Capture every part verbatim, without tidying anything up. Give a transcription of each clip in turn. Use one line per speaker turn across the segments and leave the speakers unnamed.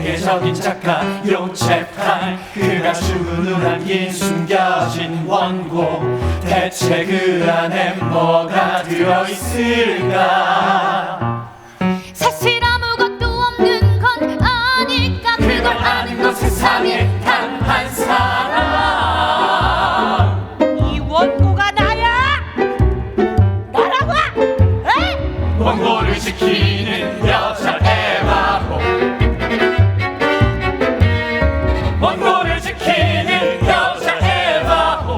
세계적인 작가 요체판, 그가 죽음을 남긴 숨겨진 원고, 대체 그 안에 뭐가 들어있을까?
사실 아무것도 없는 건 아닐까.
그걸 아는 건 세상에 단 한 사람.
이 원고가 나야? 나라고? 에?
원고를 지키는 여자 에바호, 원고를 지키는 여자 에바호.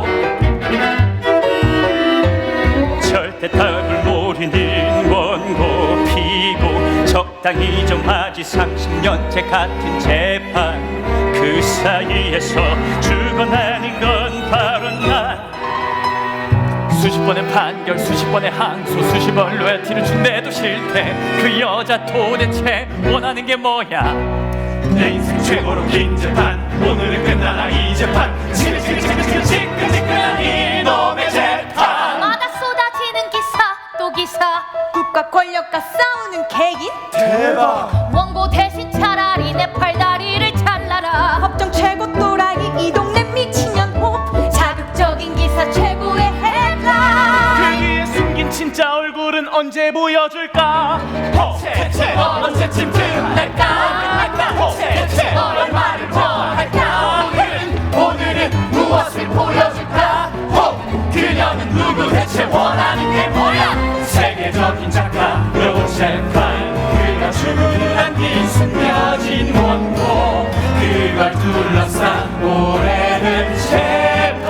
절대 답을 모르는 원고 피고, 적당히 좀 하지 삼십 년째 같은 재판. 그 사이에서 죽어나는 건 바로 나.
수십 번의 판결, 수십 번의 항소, 수십 번 로열티를 준대도 싫대. 그 여자 도대체 원하는 게 뭐야? 내 인생 최고로 긴 재판, 오늘은 끝나나 이 재판. 지끈지끈지끈 지끈지끈한 이놈의 재판.
마다 쏟아지는 기사 또 기사.
국가 권력과 싸우는 개인?
대박.
원고 대신 차라리 내 팔다리를 잘라라.
법정 최고 또라이 이 동네 미친년호.
자극적인 기사 최고의 해가.
그 위에 숨긴 진짜 얼굴은 언제 보여줄까? 대체 언제쯤 드러날까? 대체 얼마를 더 할까? 오늘은 오늘은 무엇을 보여줄까? 그녀는 누구? 대체 원하는 게 뭐야? 세계적인 작가 요체판, 그가 죽음을 안긴 숨겨진 원고, 그걸 둘러싼 오래된 재판.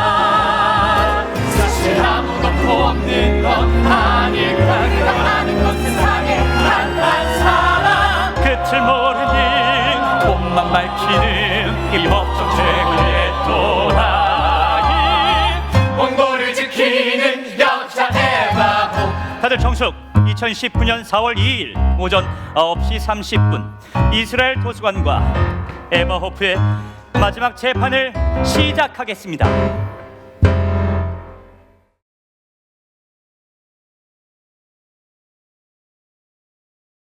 사실 아무것도 없는 건 아닐까. 그가 아는 건 세상에 단 한 사람.
끝을 모르는
몸만 밝히는
이 법정 최고의 또라이.
원고를 지키는 여자 에바호.
다들 정숙. 이천십구 년 사월 이일 오전 아홉 시 삼십 분 이스라엘 도서관과 에바 호프의 마지막 재판을 시작하겠습니다.